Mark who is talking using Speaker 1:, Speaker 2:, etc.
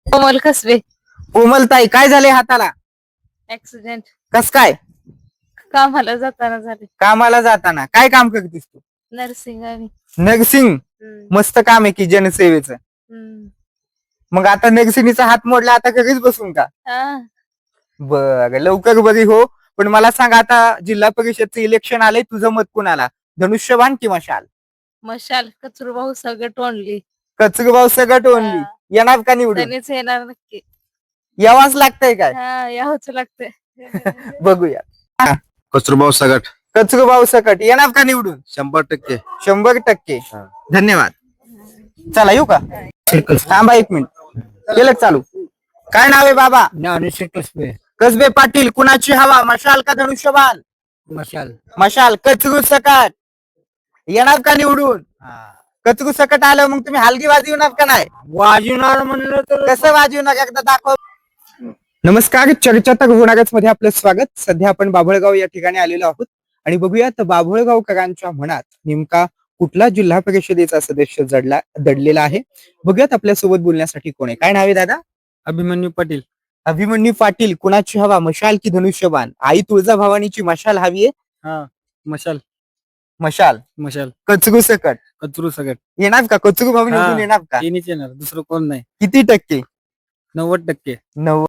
Speaker 1: कोमल कसबे.
Speaker 2: कोमलताई, काय झाले हाताला?
Speaker 1: ऍक्सिडेंट.
Speaker 2: कस काय?
Speaker 1: कामाला जाताना झाले.
Speaker 2: कामाला जाताना काय काम करतेस तू?
Speaker 1: नर्सिंग आणि
Speaker 2: नर्सिंग. मस्त काम आहे की जनसेवेचं. मग आता नर्सिंगचा हात मोडला, आता घरीच बसून का? बर, लवकर बरी हो. पण मला सांग, आता जिल्हा परिषदचं इलेक्शन आलंय, तुझं मत कुणाला? धनुष्यबाण की मशाल?
Speaker 1: मशाल. कचरू भाऊ सगळं टोनली.
Speaker 2: कचरूभाऊ सगट ओनली. येणार का निवडून?
Speaker 1: त्यांनीच येणार नक्की.
Speaker 2: यावाच लागतंय काय?
Speaker 1: यावंच लागतंय.
Speaker 2: बघूया.
Speaker 3: कचरूभाऊ सगट.
Speaker 2: कचरूभाऊ सकट येणार का निवडून?
Speaker 3: 100%.
Speaker 2: 100%. धन्यवाद. चला येऊ का? थांबा 1 मिनिट. केलं चालू. काय नाव आहे बाबा?
Speaker 4: ज्ञानेश्वर कसबे.
Speaker 2: कसबे पाटील, कुणाची हवा, मशाल का धनुष्यबाण?
Speaker 4: मशाल.
Speaker 2: मशाल. कचरू सकट येणार का निवडून? कचरू सकट आलं मग तुम्ही हलगी वाजवणार का नाही?
Speaker 4: वाजवणार म्हणलं तर
Speaker 2: कसं वाजवणार, एकदा दाखव. नमस्कार, चर्चा तर होणारच मध्ये आपलं स्वागत. सध्या आपण बाभळगाव या ठिकाणी आलेलो आहोत आणि बघूयात बाभळगावकरांच्या मनात नेमका कुठला जिल्हा परिषदेचा सदस्य दडलेला आहे. बघूयात आपल्यासोबत बोलण्यासाठी कोण आहे. काय नाव आहे दादा?
Speaker 4: अभिमन्यू पाटील.
Speaker 2: अभिमन्यू पाटील, कुणाची हवा, मशाल की धनुष्यबाण? आई तुळजाभवानीची मशाल हवी आहे.
Speaker 4: मशाल.
Speaker 2: मशाल.
Speaker 4: मशाल.
Speaker 2: कचरू सकट
Speaker 4: कचरू सगट.
Speaker 2: येणार का? कचरू भाऊ निवडून येणार का?
Speaker 4: येणार दुसरं कोण नाही.
Speaker 2: किती टक्के?
Speaker 4: 90%.
Speaker 2: 90.